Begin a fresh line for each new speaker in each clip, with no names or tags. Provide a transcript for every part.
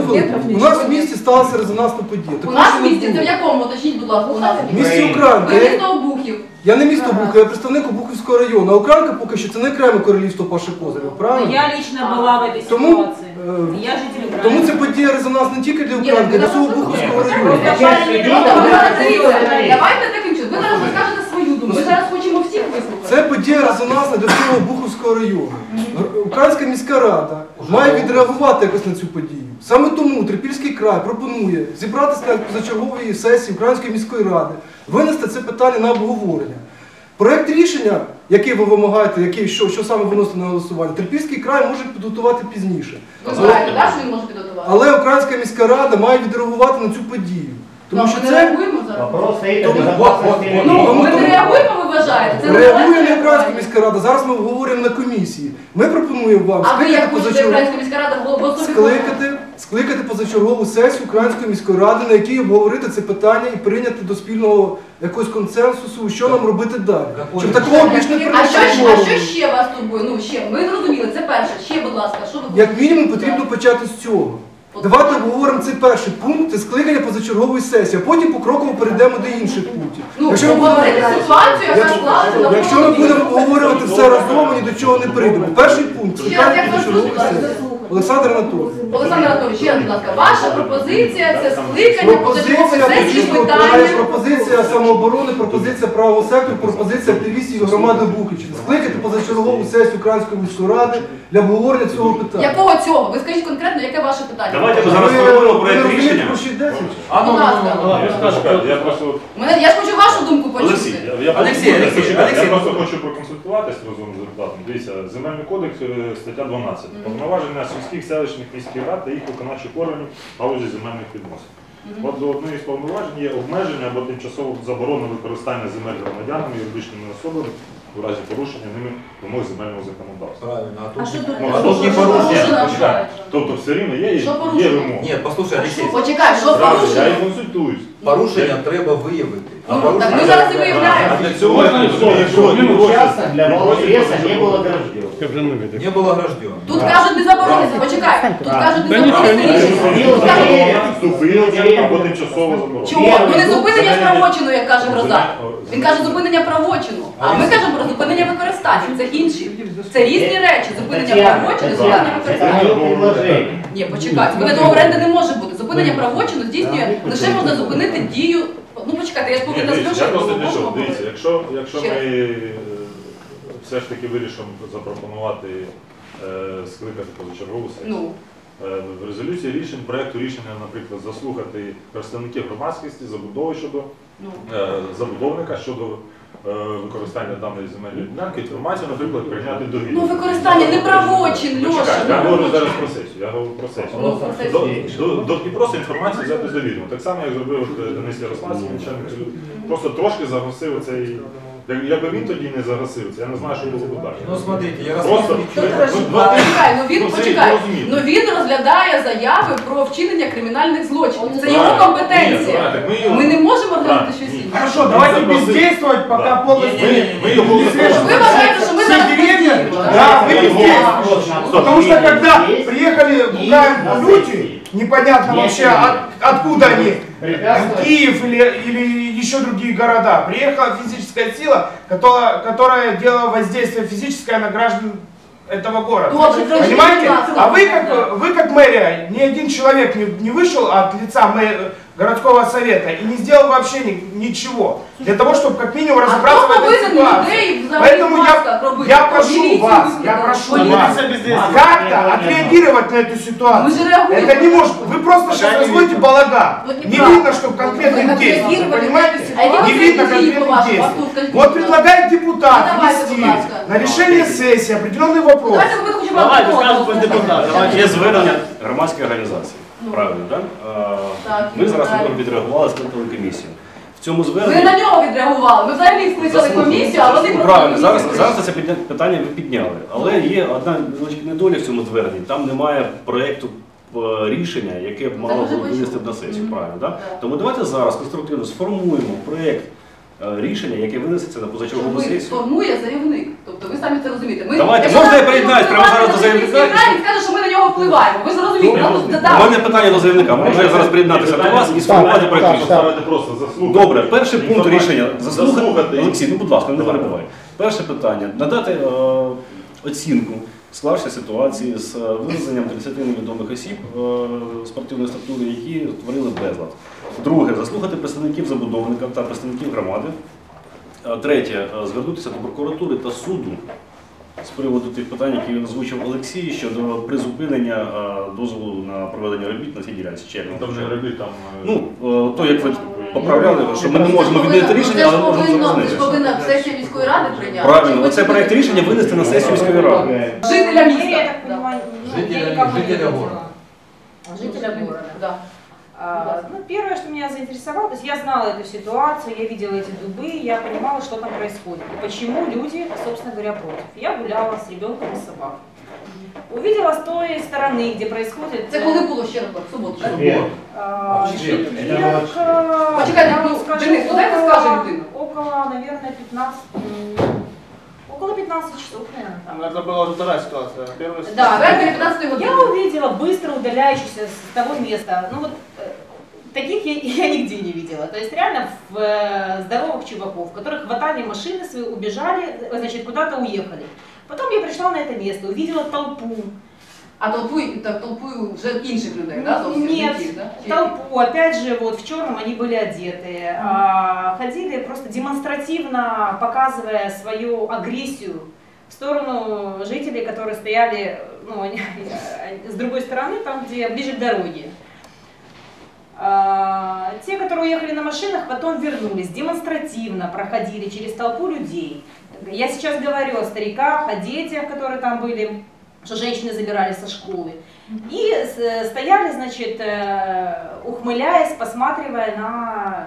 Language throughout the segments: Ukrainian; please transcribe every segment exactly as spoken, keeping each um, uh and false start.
хвилинку. У нас в місті сталася резонансна подія.
У нас в місті? Це в якому? Уточніть, будь ласка, у нас.
В місті Українка.
Ви місто Обухів.
Я не місто Обухів, я представник Обухівського району. А Українка поки що це не окреме королівство Паші Козирєва, правильно?
Я лично була в этой
Тому,
ситуации.
е,
Я житель Украины.
Тому це подія резонанс не тільки для Українки, а для всього Обухівського району.
Давайте таким чином. Ви зараз розкажете свою думку. Ми зараз хочемо всіх вислухати.
Це подія резонансна для всього Обухівського району. Українська міська рада має відреагувати якось на цю подію. Саме тому Трипільський край пропонує зібратися на позачерговій сесії Української міської ради, винести це питання на обговорення. Проєкт рішення, який ви вимагаєте, який, що, що саме виносити на голосування, Трипільський край може підготувати пізніше.
Ви знаєте, так, що він може підготувати?
Але Українська міська рада має відреагувати на цю подію. Тому що
ми не
це...
реагуємо зараз?
Тому-
Ну,
тому-
ми не реагуємо, ви вважаєте? Це
Реагує
нормально?
не Українська міська рада, зараз ми обговорюємо на комісії. Ми пропонуємо вам
А ви
скликати
як хочете
позачергову...
Українська міська рада в особі?
Скликати, скликати позачергову сесію Української міської ради, на якій обговорити це питання і прийняти до спільного якогось консенсусу, що нам робити далі. Щоб такого більш не
А що, ж- а
прийшло.
що ще вас турбує? Ну, ще, ми зрозуміли, це перше. Ще, будь ласка, що ви хочете?
Як мінімум потрібно почати з цього. Давайте обговоримо цей перший пункт, це скликання позачергової сесії, а потім покроково перейдемо до інших пунктів.
Ну,
Якщо ми
обговорити
будемо-
ситуацію, яка
Якщо-
склалася на
Якщо ми будемо обговорювати все разом, ми ні до чого не прийдемо. Перший пункт
Ще раз,
скликання
як вас
позачергової
звуть?
сесії. Олександр Анатолійович.
Олександр Анатолійович, ще раз, будь ласка, ваша пропозиція це скликання позачергової
Пропозиція
сесії з
Трипільського краю,
питанням.
пропозиція самооборони, пропозиція правого сектору, пропозиція активістів громади Бухівщини. Скликати позачергову сесію Української міської ради для обговорення цього питання.
Якого цього? Ви скажіть конкретно, яке ваше питання?
Давайте ми
Ви-
зараз формуємо
ви
проєкт
розумієте,
рішення.
про що йдеться?
Будь ласка.
Я просто...
Мене, я ж хочу вашу думку
Олексій,
почути.
я, я,
Олексій,
просто-
Олексій,
почекайте,
Олексій.
я просто хочу проконсультуватись разом з депутатом. Дивіться, Земельний кодекс, е, стаття дванадцята. Повноваження сільських, селищних, міських рад та їх виконавчих органів в галузі земельних відносин. От до одної з повноважень є обмеження або тимчасово заборона використання земель громадянами, юридичними особами у разі порушення ними вимог земельного законодавства.
Правильно, а
А
тут...
що тут?
Ну,
а тут не порушення.
Порушення.
Тобто все рівно є,
Що
є
порушення?
вимоги.
Ні, послухай, Олексій,
Почекай, що
Правильно, я
порушено?
і консультуюсь.
порушення треба виявити. А
Ну,
порушення-
так ми зараз і виявляємо.
А для цього, якщо він
Часто для баллотреса не было огражден.
Не було граждан.
Тут кажуть не заборонити, почекай. Тут кажуть не заборонити рішення. Тут кажуть,
зупинення або тимчасово заборонено.
чого? Ну не зупинення ж правочину, як каже Гроза. Він каже зупинення правочину, а ми кажемо про зупинення використання. Це інші. Це різні речі. Зупинення правочину, зупинення використання.
предложение.
Ні, почекайте. Зупинення оренди не може бути. Зупинення правочину здійснює лише можна зупинити дію. Ну почекайте, я ж
Ні,
повинна
дивіться, я
звершити.
просто
бо
для чого?
можна
Дивіться, якщо, якщо
Ще
ми
раз.
е, все ж таки вирішимо запропонувати е, скликати позачергову сесію.
Ну,
Е, В резолюції рішень, проєкту рішення, наприклад, заслухати представників громадськості, забудови щодо
ну.
е, забудовника щодо е, використання даної земельної ділянки, інформацію, наприклад, прийняти до
Ну
відома.
використання не правочин,
Ну,
Льоша.
чекай,
не
я говорю
правочин.
зараз про сесію, я говорю про сесію.
Ну, про сесію.
До, до, до, і просто інформацію взяти з довідомо. Так само, як зробив от, е, Денис Ярославський, начальник суду. Просто трошки загасив цей. Як- Якби він тоді не загасив це, я не знаю, що було б далі.
Ну, смотрите, я
Просто
розповідаю.
ну, ну,
Почекай, ну він
ну, це
почекай.
зрозуміло.
Ну він розглядає заяви про вчинення кримінальних злочинів. Це його
Правильно. Ні,
компетенція.
правильно, так ми його-
Ми не можемо розглянути
Правильно.
щось
Ні.
інше.
Хорошо, давайте
Запросили.
бездействовать, пока
Да.
полностью
Мы, мы его
не свяжем.
Ви вважаєте, що ми
Все
зараз
деревья,
бездействуємо,
да,
так?
вы бездействуете.
Стоп.
Потому что когда
Есть.
приехали в Украину люди, непонятно
Есть.
вообще от- откуда они,
Препятствовать.
Киев или, или еще другие города, приехала физическая сила, которая, которая делала воздействие физическое на граждан этого города.
Добре, скажіть,
Понимаете?
будь ласка.
А вы как, вы как мэрия, ни один человек не, не вышел от лица мэ- городского совета и не сделал вообще ни- ничего. Для того, чтобы как минимум
А
разобраться в
хто
этой
повинен
ситуации.
людей взагалі
Поэтому я,
масках робити?
я прошу
Міліцію
вас, я
викликати?
прошу
Поліцію?
вас как-то отреагировать на эту
Мы
ситуацию.
же реагируем.
Это не может. Вы просто сейчас разводите балаган.
Вот
Не
неправда.
видно, что конкретных
Вы
действий.
отреагировали
Понимаете?
на эту ситуацию.
Не видно
А эти действия,
конкретных
по-вашему,
действий.
Артур, скажите,
Вот
пожалуйста.
предлагает депутат
Ну, давайте,
внести
будь ласка.
на решение сессии определенный вопрос.
Давайте ви хочемо
Давайте,
одного
скажемо
послухати.
депутат, давайте.
Є звернення громадської організації.
Ну.
Правильно, так?
Так,
Ми зараз
правильно.
відреагували, скликали комісію. В цьому
Ви
зверненні...
на нього відреагували. Ми взагалі скликали
Заслухали.
комісію, а вони
Правильно, зараз,
комісію
зараз це підня- питання ви підняли. Але є одна невеличка недоля в цьому зверненні. Там немає проєкту е, рішення, яке б мало
вже
було винести
почули.
на сесію.
Мгм.
Правильно, так?
Так.
Тому давайте зараз конструктивно сформуємо проєкт е, рішення, яке винесеться на позачергову
Ми
сесію.
сформує заявник. Тобто ви самі це розумієте. Ми,
Давайте,
якщо
можна я
ми
приєднаюсь прямо зараз до
впливаємо на
заявника?
міський рай, Він скаже, що ми на нього впливаємо. Ви зрозумієте. чоловік. Ну,
У
да.
мене питання до заявника. Можу я зараз приєднатися до вас і сформувати проект рішення?
Ставити просто заслухати.
Добре, перший пункт рішення. Заслухати.
Заслухати.
Олексій, ну будь ласка, не перебувай. Перше питання. Надати е, оцінку склавшої ситуації з е, вивезенням тридцяти невідомих осіб е, спортивної структури, які створили безлад. Друге, заслухати представників забудовника та представників громади. Е, Третє, е, звернутися до прокуратури та суду з приводу тих питань, які він озвучив Олексій, щодо призупинення е, дозволу на проведення робіт на цій ділянці. Червня.
Там вже робіть там. е,
Ну, е, то, як ви поправляли, що ми не можемо відмінити рішення, але можемо
Це ж
зупинити.
повинна сесія міської ради прийняти.
Правильно, оце проект рішення винести на сесію міської ради.
Жителя
Я
міста.
так понимаю, ну, я
Жителя,
никому не
жителя
видела.
города.
Жителя города.
Да.
А, ну, первое, что меня заинтересовало, то есть я знала эту ситуацию, я видела эти дубы, я понимала, что там происходит. И почему люди, собственно говоря, против. Я гуляла с ребенком и собакой. Увидела с той стороны, где происходит...
Це коли було ще раз, в суботу, так?
Четверг.
А,
Четверг.
четверг, а,
Почекайте,
я вам
ну,
скажу,
Денис, ну, дайте
около-
скаже людина.
Около, наверное, пятнадцать, м, около пятнадцати часов, наверное, там.
Это была вторая ситуация. Первая
Да,
Четвертої, п'ятнадцятої години.
я увидела быстро удаляющихся с того места. Ну вот э, таких я, я нигде не видела. То есть реально в, э, здоровых чуваков, которые хватали машины свои, убежали, э, значит, куда-то уехали. Потом я пришла на это место, увидела толпу.
А толпу, так, толпу вже інших людей, да? зовсім
Нет,
не тих, да? Чи-
толпу, опять же, вот в черном они были одеты. А, ходили просто демонстративно, показывая свою агрессию в сторону жителей, которые стояли, ну, они- с другой стороны, там, где ближе к дороге. А, те, которые уехали на машинах, потом вернулись, демонстративно проходили через толпу людей. Я сейчас говорю о стариках, о детях, которые там были, что женщины забирали со школы. И с- стояли, значит, э, ухмыляясь, посматривая на...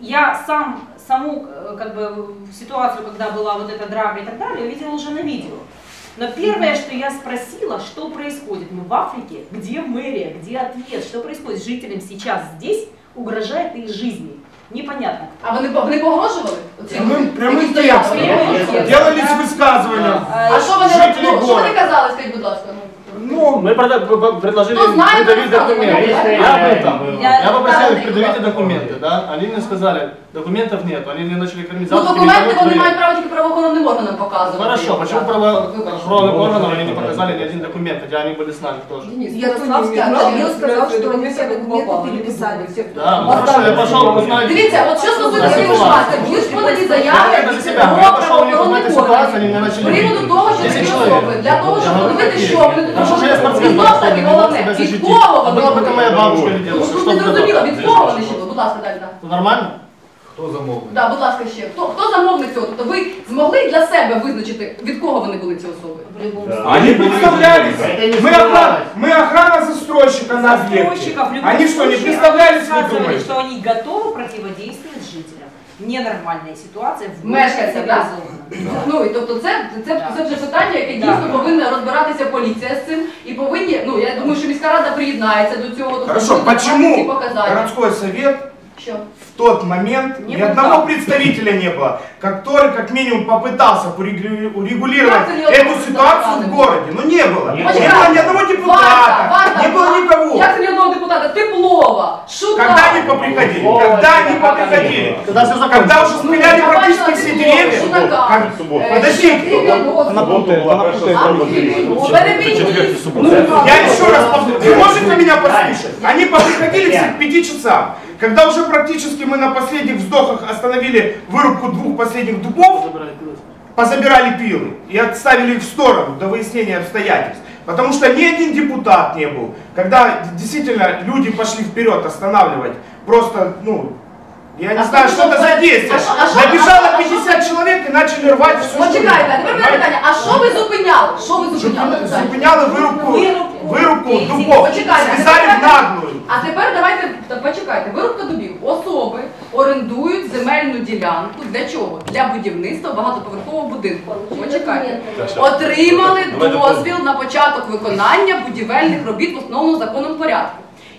Я сам, саму э, как бы, ситуацию, когда была вот эта драка и так далее, увидела уже на видео. Но первое, что я спросила, что происходит? Мы в Африке, где мэрия, где ответ, что происходит с жителям сейчас здесь, угрожает их жизни. Непонятно.
А вони, вони погрожували? Оці
Прямим-
люди,
прямим
які стояли?
текстом.
Прямим текстом.
Делались высказывания.
А що вони,
Жителі
ну, що вони
города.
казали, скажіть, будь ласка? ну?
Ну,
Мы прода- п- п- предложили
Кто знает,
предъявить
тот
документы.
знает.
Я был там.
Я-
Я попросил
да,
их предъявить
да.
документы, да? Они мне сказали, документов нет. Они мне начали кормить
Ну,
завтраками,
документи
кого
вони
твои.
мають право тільки правоохоронним органам показувати.
Хорошо, почему
Так.
правоохранным органам они не показали ни один документ, хотя они были с нами тоже?
Ярославський,
Никто не
Андрій.
имел сказал, что они все документы переписали.
Да, ну хорошо, я пошел узнать.
Дивіться, от що стосується
За
цієї
ситуацію.
ситуації, були ж подані
Я
заяви
за
від
себя, я пошел у них узнать
правоохоронних
ситуацию, они
органів.
меня
З
начали
приводу
бить.
того, що
Десять
такі
человек.
особи, для того, щоб
Я говорю,
подивити,
какие?
що вони тут
А что же я
можуть.
спортсмен
І знов таки
не мог
головне,
себя
від
защитить?
кого
А
вони
была бы это моя бабушка или
Ну,
дедушка,
тут
что
не
бы
зрозуміло,
было?
від кого вони йшли? Будь ласка, далі, так.
Это нормально?
Хто замовник?
Да, будь ласка, ще. Хто, хто замовник цього? Тобто ви змогли для себе визначити, від кого вони були ці особи?
В любом
Да.
случае.
они представлялись.
Это не
Мы охрана,
скрывалось.
мы охрана застройщика на объекте.
Застройщиков в любом
Они что, не
случае
представлялись, вы
рассказывали,
думаете?
что они готовы противодействовать жителям. Ненормальная ситуация в
Мешканцям, да?
цивилизованном.
Ну, і тобто це, це,
Да.
це вже питання, яке
Да.
дійсно повинна розбиратися поліція з цим. І повинні, ну, я думаю, що міська рада приєднається до цього. тобто
Хорошо,
буде давати ці
почему
показання.
городской совет
Що?
в тот момент
Не
ни одного
был.
представителя не было, который как минимум попытался порегулю- урегулировать
Как ты не
эту
одного
ситуацию в
депутата?
городе? Ну не было.
Не
Не
Почекайте.
было ни одного депутата,
Варта,
не было никого.
Як це ні одного депутата? Теплова, Шута.
Когда они поприходили? Когда они поприходили?
Когда все
Когда уже спиляли
я
практически
бачила
все
Теплову,
деревья?
Шутака.
Как-
Суботу.
Е,
Подождите.
Шевченко,
Она
Суботу
путает,
була
она
перша
путает.
спроба.
Ну, переберіть.
Я еще раз повторю, вы можете меня послушать? Они поприходили все к пяти часам. Когда уже практически мы на последних вздохах остановили вырубку двух последних дубов, позабирали пилы и отставили их в сторону до выяснения обстоятельств. Потому что ни один депутат не был. Когда действительно люди пошли вперед останавливать, просто, ну, я не
А
знаю,
что
что это
было?
за действие.
А что- а что-
Набежало
а что-
пятьдесят человек и начали рвать все,
Почекайте, а тепер мене питання, а що ви зупиняли? Що ви зупиняли? питання?
Зупиняли вырубку,
Вырубку.
вырубку
Эти-
дубов.
Почекайте, а
Связали в
тепер-
наглую.
А тепер давайте, та почекайте, вирубка дубів. Особи орендують земельну ділянку. Для чого? Для будівництва багатоповерхового будинку. Почекайте. Отримали
Давайте
дозвіл на початок виконання будівельних робіт в основному законному порядку.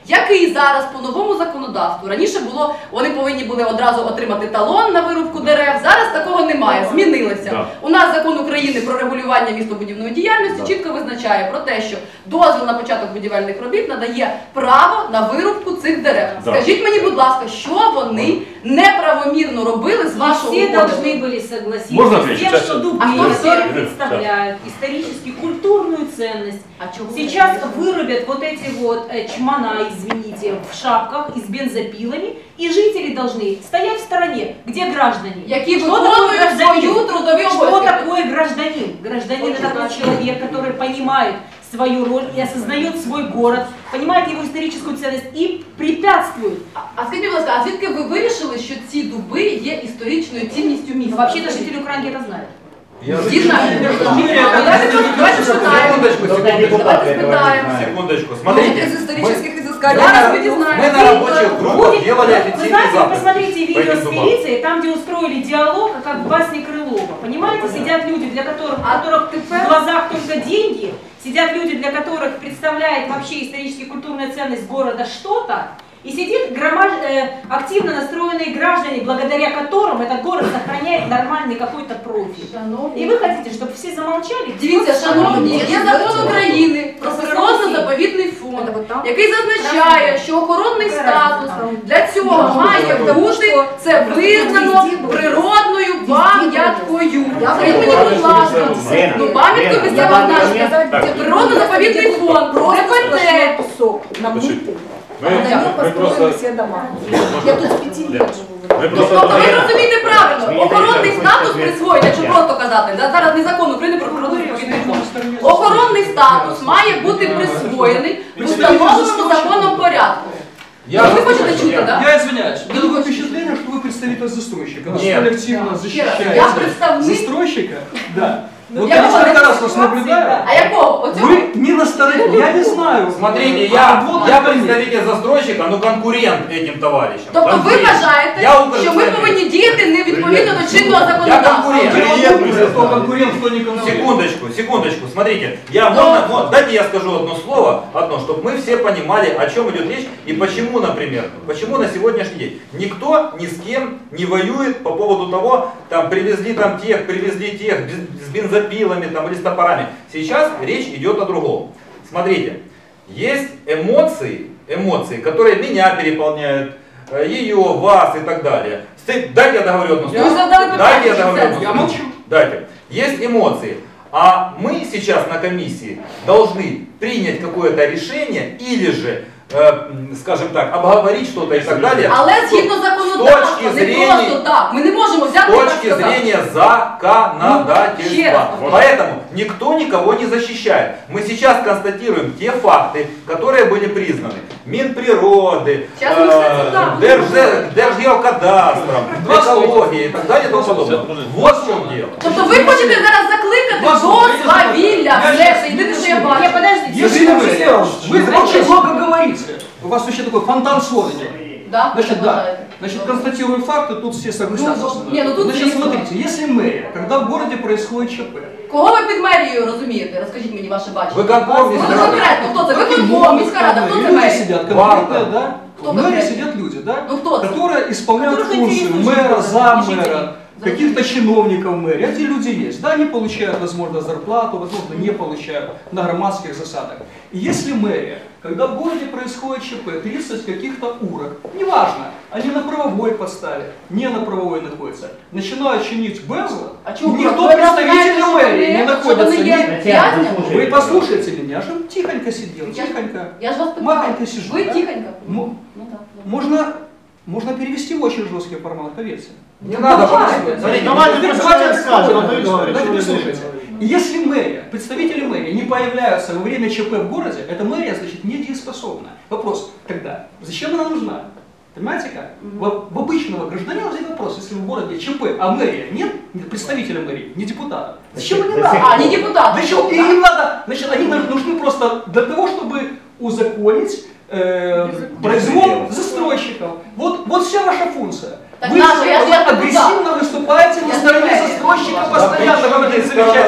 який зараз по новому законодавству, раніше було, вони повинні були одразу отримати талон на вирубку дерев, зараз такого немає, змінилося.
Да.
У нас закон України про регулювання містобудівної діяльності
Да.
чітко визначає про те, що дозвіл на початок будівельних робіт надає право на вирубку цих дерев.
Да.
Скажіть мені, будь ласка, що вони неправомірно робили з
И
вашого
все
уходу?
должны были согласиться
Можно
с
ответить?
тем,
Сейчас,
что
сейчас.
дубы,
А кто все?
которые представляют исторически культурную ценность.
А чого ви
Сейчас
так
вырубят вот эти вот э, чмана, извините, в шапках и с бензопилами, и жители должны стоять в стороне, где граждане.
Які
Что такое
виконують
гражданин?
свою трудові
Что
обов'язки?
такое гражданин? Гражданин это такой человек, который понимает свою роль и осознает свой город, понимает его историческую ценность и препятствует.
А, а скажіть, будь ласка, а звідки ви вирішили, що ці дуби є історичною цінністю міста?
Вообще-то жители Украинки это знают.
Я
Всі знають.
Юрий,
А, Давайте просто- давайте спитаємо.
Секундочку,
Только
секундочку.
депутаты
Давайте
этого не
спитаємо.
знают.
Секундочку,
Ну,
смотрите.
из исторических
мы-
изысканий.
мы
Зараз
на-
ми дізнаємося.
Мы на рабочих группах
Будет,
делали
вы
официальный
знаете, вы
запуск.
посмотрите
по
видео
этим
с
дубам.
милицией, там, где устроили диалог, как в басне Крылова. Понимаете, сидят люди, для которых, у
А
которых
теперь-
в глазах только деньги, сидят люди, для которых представляет вообще исторически культурная ценность города что-то, и сидит громад, э, активно настроенные граждане, благодаря которым этот город сохраняет нормальный какой-то профиль. И вы хотите, чтобы все замолчали?
Дивіться, шановні, є закон України про природно-заповідний фонд, який зазначає, що охоронний статус для цього має бути це визнано природною пам'яткою. Скажіть мені, будь ласка, ну пам'яткою місцевого значення, це природно-заповідний фонд, ДПТ.
Ми,
На нем
ми
построены
просто...
все дома. Я тут с пяти лет живу.
Ми просто...
Тобто ви розумієте правильно, охоронний статус
Ні.
присвоїть, якщо просто казати, да, зараз не закон України про природно-заповідний фонд. Охоронний статус має бути присвоєний в установленому законом порядку.
Я
Ви
вас
хочете
слышу,
чути,
я-
так?
Я извиняюсь, у меня такое впечатление, что вы представитель застройщика. Вы
Нет.
коллективно
Я
защищаете
представник.
застройщика. Да.
Ну,
Вот
я
я
думала,
несколько
это
раз вас
ситуация,
наблюдаю.
да.
А якого? Оцього?
Вы не на стороне, я не знаю.
Смотрите,
А
я,
вот
я
это нет.
представитель застройщика, но конкурент этим товарищам.
Тобто ви
Конкурент.
вважаєте,
Я
що ми
Укрземлі.
повинні діяти не відповідно до чинного
Я
законодавства?
конкурент.
Приедемся, кто конкурент, кто не конкурент.
Секундочку, секундочку, смотрите, я,
Но-
можно, мо- дайте я скажу одно слово, одно, чтобы мы все понимали, о чем идет речь и почему, например, почему на сегодняшний день никто ни с кем не воюет по поводу того, там привезли там тех, привезли тех без- с бензопилами там, или с топорами. Сейчас речь идет о другом. Смотрите, есть эмоции, эмоции, которые меня переполняют, э, ее, вас и так далее. Сты- Дайте я договорю одно
Вы
слово.
задали
Дайте я
питание,
договорю одно
Я
слово.
молчу.
Дайте. Есть эмоции. А мы сейчас на комиссии должны принять какое-то решение или же, э, м, скажем так, обговорить что-то и так далее.
Але згідно
С
законодавства,
точки
не
зрения-
просто так. Ми не можемо
С
взяти і так
точки
сказати.
зрения
Ну, ще раз
законодательства. Поэтому никто никого не защищает. Мы сейчас констатируем те факты, которые были признаны Минприроды,
Сейчас мы, кстати, да.
э, Держзе- Держгеокадастром,
Два слова.
экологией и так далее и тому подобное. Вот в чем дело.
Тобто ви хочете зараз закликати
Вас
до
слухайте,
свавілля.
я
Все,
щас-
це єдине, що я
Не,
бачу.
подождите.
Если
секунду,
вы,
секунду.
вы очень много говорите, у вас вообще такой фонтан слов идет.
Да?
Значит,
Ви
да.
вважаєте?
Значит, констатирую факты, тут все согласятся.
Ну,
со мной.
не, ну тут
Значит,
есть
смотрите, если мэрия, когда в городе происходит ЧП,
Кого ви під мерією розумієте? Розкажіть мені ваше бачення.
Виконком,
Ну,
міська
ну,
рада.
конкретно, хто це? Виконком,
многие
міська рада, хто це
люди
мерія?
сидят,
Варта.
конкретно, да?
Кто
В мэрии
конкретно?
сидят люди, да?
Ну, кто это?
Которые исполняют
Которых
функцию
интересует
мэра,
город,
заммэра,
жителей.
каких-то чиновников мэрии. Эти люди есть. Да, они получают, возможно, зарплату, возможно, не получают на громадских засадах. И если мэрия, когда в городе происходит ЧП, тридцать каких-то урок, неважно, они на правовой подставе, не на правовой находятся, начинают чинить безлад,
А чого ви
никто
ви
представителя
знаєте, що
мэрии
вони-
не
що
находится.
вони є
ни-
в'язнями?
Вы послушайте меня, что тихонько сидел,
Я ж-
тихонько.
Я ж вас питаю.
Махонько сижу,
Ви
да?
тихонько.
М-
Ну так.
Можно, можно перевести в очень жесткий формат, поверьте.
Не надо,
давайте.
смотрите,
Давайте
Теперь
пусть
давайте
человек скажет,
спокойно
а то и
разговаривать.
говорит,
Давайте
что вы
послушайте.
говорите.
И если мэрия, представители мэрии не появляются во время ЧП в городе, эта мэрия, значит, недееспособна. Вопрос, когда? Зачем она нужна? Понимаете как? В, в обычного гражданина возникает вопрос, если в городе ЧП, а мэрия нет, нет представителя мэрии, не депутата. Зачем они надо?
А, не депутат.
Для чего? И им надо, значит, они нам нужны просто для того, чтобы узаконить э, произвол застройщиков. Вот, вот вся ваша функция.
Так
Вы,
наша, я
вы
же депутат.
агрессивно выступаете на
Я
стороне
понимаю.
застройщика
Да
постоянно,
при чем
говорите
здесь
замечательные